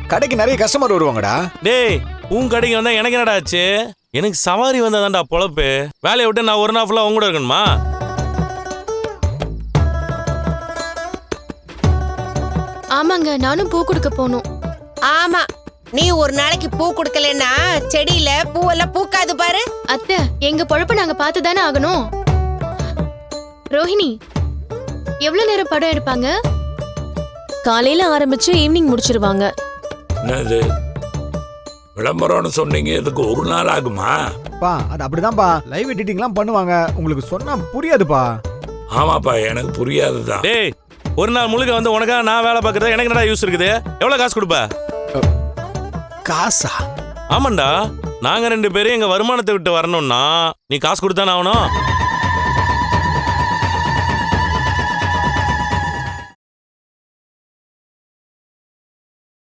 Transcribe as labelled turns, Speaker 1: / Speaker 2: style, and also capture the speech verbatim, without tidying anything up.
Speaker 1: கடைக்கு நிறைய கஸ்டமர் வருவாங்கடா.
Speaker 2: டேய் உன் கடைக்கு வந்தா எனக்கு என்னடா ஆச்சு? எனக்கு சவாரி வந்தாதான்டா பொழப்பு. வேலையை விட்டு நான் ஒரு நாள் ஃபுல்லா உங்க கூட இருக்கணுமா?
Speaker 3: ஆமாங்க, நானும் பூ கொடுக்க போகணும்.
Speaker 4: ஆமா, நீ ஒரு நாளைக்கு பூ கொடுக்கலன்னா செடியில பூவெல்லாம் பூக்காது பாரு.
Speaker 3: அத்தை, எங்க பொழப்ப நாங்க பார்த்து தானே ஆகணும். ரோஹிணி, எவ்வளவு நேரம் படம் எடுப்பாங்க?
Speaker 5: காலையில ஆரம்பிச்சு ஈவினிங் முடிச்சிருவாங்க.
Speaker 6: என்னது விளம்பரம்னு சொன்னீங்க, இதுக்கு ஒரு நாள் ஆகுமா?
Speaker 1: பா அது அப்படிதான்ப்பா, லைவ் எடிட்டிங்லாம் பண்ணுவாங்க. உங்களுக்கு சொன்னா புரியாதுப்பா.
Speaker 6: ஆமாப்பா, எனக்கு புரியாதுதான்.
Speaker 2: டேய் ஒரு நாள் முழுக்க வந்து உனக்காக நான் வேலை பார்க்கறது எனக்கு என்னடா யூஸ் இருக்குது? எவ்வளவு காசு கொடுப்ப?
Speaker 1: காசா?
Speaker 2: ஆமாண்டா, நாங்க ரெண்டு பேரும் எங்க வருமானத்தை விட்டு வரணும்னா நீ காசு கொடுத்தானே ஆகணும்.